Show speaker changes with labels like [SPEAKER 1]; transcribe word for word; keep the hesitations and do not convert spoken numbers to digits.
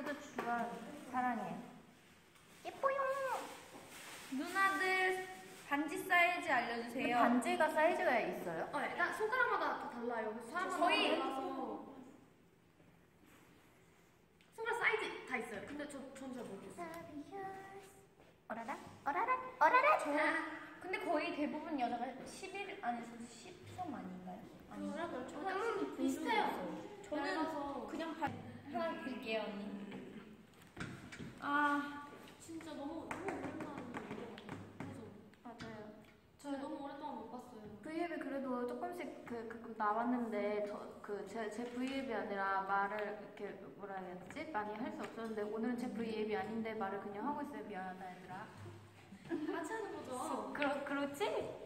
[SPEAKER 1] 그래도 주한 사랑해. 예뻐요. 누나들 반지 사이즈 알려주세요.
[SPEAKER 2] 반지가 사이즈가 있어요?
[SPEAKER 3] 어, 일단 손가락마다 다 달라요. 사람마다
[SPEAKER 1] 저희-
[SPEAKER 3] 달라서 손가락 사이즈 다 있어요. 근데 저 전 잘 모르겠어요.
[SPEAKER 2] 어라라 어라라 어라라.
[SPEAKER 1] 저 근데 거의 대부분 여자가 십일 안에서 십삼 아닌가요? 아니.
[SPEAKER 3] 그래요?
[SPEAKER 1] 저는
[SPEAKER 3] 저는 비슷해요.
[SPEAKER 1] 저는
[SPEAKER 3] 얇아서.
[SPEAKER 1] 그냥 반 하나 드릴게요 언니. 아
[SPEAKER 3] 진짜 너무 너무 오랜만에 본 것 같아요. 그래서
[SPEAKER 2] 맞아요.
[SPEAKER 3] 저 너무 오랫동안 못 봤어요.
[SPEAKER 2] 브이앱이 그래도 조금씩 그, 그 나왔는데 그제 제 브이앱이 아니라 말을 이렇게 뭐라 해야 되지? 많이 할 수 없었는데 오늘은 제 브이앱이 아닌데 말을 그냥 하고 있어요. 미안하다 얘들아.
[SPEAKER 3] 같이 하는 거죠?
[SPEAKER 2] 그렇 그렇지?